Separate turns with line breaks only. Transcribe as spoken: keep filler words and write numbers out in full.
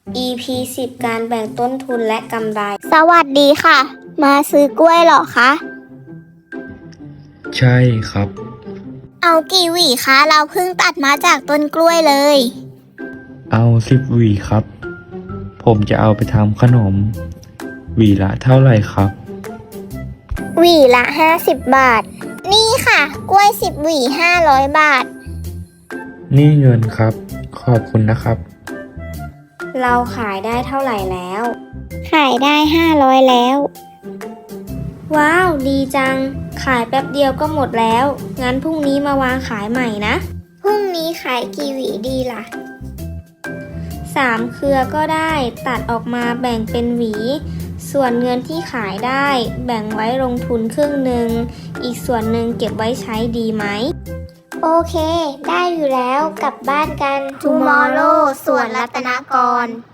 อี พี สิบ การแบ่งต้นทุนและกำไร
สวัสดีค่ะ มาซื้อกล้วยเหรอคะ
ใช่ครับ
เอากี่หวีคะ เราเพิ่งตัดมาจากต้นกล้วยเลย
เอาสิบหวีครับ ผมจะเอาไปทำขนม หวีละเท่าไหร่ครับ
หวีละห้าสิบบาท นี่ค่ะ กล้วยสิบหวีห้าร้อยบาท
นี่เงินครับ ขอบคุณนะครับ
เราขายได้เท่าไหร่แล้ว
ขายได้ห้าร้อยแล้ว
ว้าว ดีจัง ขายแป๊บเดียวก็หมดแล้ว งั้นพรุ่งนี้มาวางขายใหม่นะ
พรุ่งนี้ขายกี่หวีดีล่ะ
สามเครือก็ได้ตัดออกมาแบ่งเป็นหวี ส่วนเงินที่ขายได้แบ่งไว้ลงทุนครึ่งหนึ่ง อีกส่วนหนึ่งเก็บไว้ใช้ดีไหม
โอเค ได้อยู่แล้วกลับบ้านกัน Tomorrow สวนรัตนกร